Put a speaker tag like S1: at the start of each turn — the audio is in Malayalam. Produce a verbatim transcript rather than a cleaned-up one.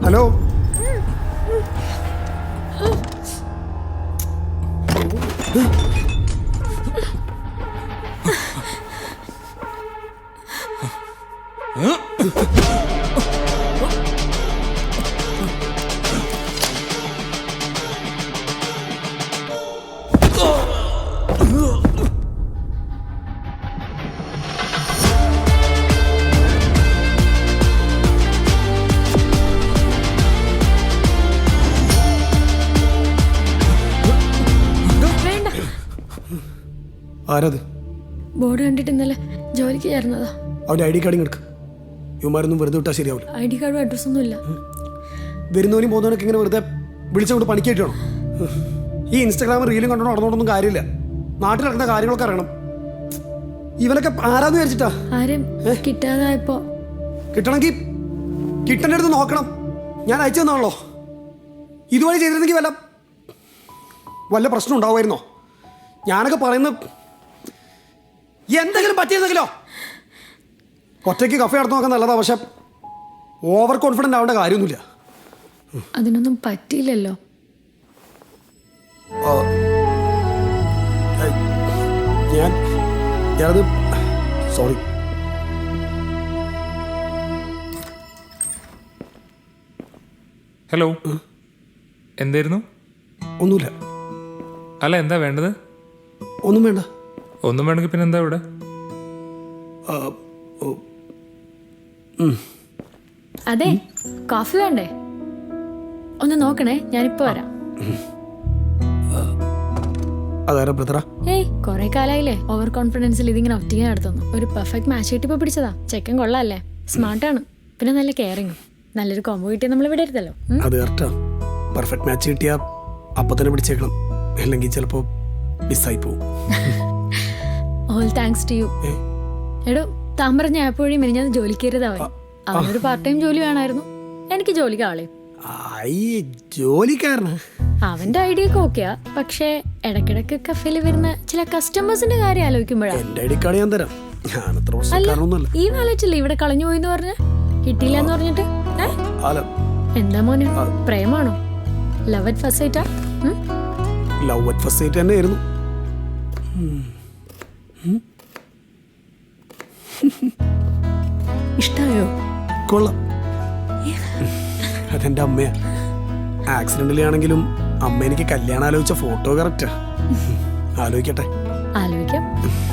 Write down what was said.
S1: ഹലോ ആരത്?
S2: ബോർഡ് കണ്ടിട്ട് ഇന്നലെ ജോലിക്ക് ചേർന്നതാ.
S1: അവൻ്റെ ഐ ഡി കാർഡിങ് എടുക്ക്. ഇവന്മാരൊന്നും വെറുതെ വിട്ടാൽ ശരിയാവില്ല.
S2: ഐ ഡി കാർഡും അഡ്രസ്സൊന്നും ഇല്ല.
S1: വരുന്നവനും പോകുന്നവനൊക്കെ ഇങ്ങനെ വെറുതെ വിളിച്ചുകൊണ്ട് പണിക്കായിട്ട് വേണം. ഈ ഇൻസ്റ്റാഗ്രാമിൽ റീലും കണ്ടോ നടന്നോണ്ടൊന്നും കാര്യമില്ല. നാട്ടിൽ നടക്കുന്ന കാര്യങ്ങളൊക്കെ അറിയണം. ഇവനൊക്കെ ആരാന്ന് വിചാരിച്ചിട്ടാ?
S2: ആരും കിട്ടാതായപ്പോ
S1: കിട്ടണമെങ്കിൽ കിട്ടേണ്ട അടുത്ത് നോക്കണം. ഞാൻ അയച്ചു തന്നാണല്ലോ. ഇതുവഴി ചെയ്തിരുന്നെങ്കിൽ വല്ല വല്ല പ്രശ്നം ഉണ്ടാവുമായിരുന്നോ? ഞാനൊക്കെ പറയുന്ന എന്തെങ്കിലും പറ്റിയിരുന്നെങ്കിലോ? ഒറ്റയ്ക്ക് കഫേ നടന്നു നോക്കാൻ നല്ലതാ, പക്ഷെ ഓവർ കോൺഫിഡൻ്റ് ആവേണ്ട കാര്യമൊന്നുമില്ല.
S2: അതിനൊന്നും പറ്റിയില്ലല്ലോ.
S1: ഞാൻ ഞാനത് സോറി.
S3: ഹലോ, എന്തായിരുന്നു?
S1: ഒന്നുമില്ല.
S3: അല്ല, എന്താ വേണ്ടത്?
S1: ഒന്നും വേണ്ട.
S3: ഒന്നും വേണമെങ്കിൽ പിന്നെ എന്താ ഇവിടെ?
S2: അതെ, കോഫി വേണ്ടേ? ഒന്ന് നോക്കണേ, ഞാനിപ്പോ വരാം.
S1: അതാരാ ബ്രദറാ?
S2: ഏയ്, കൊറേ കാലായില്ലേ ഓവർ കോൺഫിഡൻസിൽ ഇതിങ്ങനെ ഒറ്റയ്ക്ക് നടത്തുന്നു. ഒരു പെർഫെക്റ്റ് മാച്ച് കിട്ടിയപ്പോ പിടിച്ചതാ. ചെക്കൻ കൊള്ളാല്ലേ, സ്മാർട്ടാണ്, പിന്നെ നല്ല കെയറിങ്ങും. നല്ലൊരു കോംബോ കിട്ടിയാൽ നമ്മൾ വിടരുതല്ലോ.
S1: അത് കറക്റ്റാ. പെർഫെക്റ്റ് മാച്ച് കിട്ടിയാ അപ്പൊ തന്നെ പിടിച്ചേക്കണം, അല്ലെങ്കിൽ ചിലപ്പോ മിസ്സായി പോവും.
S2: All thanks to you. എടോ, താൻ പറഞ്ഞ ആപ്പ് വഴി മെനിഞ്ഞാൽ ജോലിക്ക് കയറിയതാവേ. അവനൊരു പാർട്ട് ടൈം ജോലി വേണമായിരുന്നു. എനിക്ക് ജോലിക്ക് ആളെ
S1: ജോലിക്കാരനാ.
S2: അവന്റെ ഐഡിയ ഒക്കെ ഓക്കെയാ, പക്ഷേ ഇടക്കിടക്ക് കഫേയിൽ വരുന്ന ചില കസ്റ്റമേഴ്സിന്റെ കാര്യം ആലോചിക്കുമ്പോഴാണ്.
S1: എന്റെ ഐ ഡി കാർഡ് ഞാൻ തരാം. ഞാൻ അത്ര പ്രശ്നക്കാരനൊന്നുമല്ല.
S2: ഈ വാലറ്റില്ലേ ഇവിടെ കളഞ്ഞു പോയിന്ന് പറഞ്ഞ കിട്ടിയില്ല എന്ന് പറഞ്ഞിട്ട് എന്താ മോനെ, പ്രേമാണോ? ലവ് അറ്റ് ഫസ്റ്റ് സൈറ്റാ?
S1: ലവ് അറ്റ് ഫസ്റ്റ് സൈറ്റ് തന്നെ ആയിരുന്നു.
S2: ഇഷ്ടായോ?
S1: കൊള്ളാം. അതെന്റെ അമ്മയാ. ആക്സിഡന്റിൽ ആണെങ്കിലും അമ്മ എനിക്ക് കല്യാണം ആലോചിച്ച ഫോട്ടോ കറക്റ്റാ. ആലോചിക്കട്ടെ.
S2: ആലോചിക്കാം.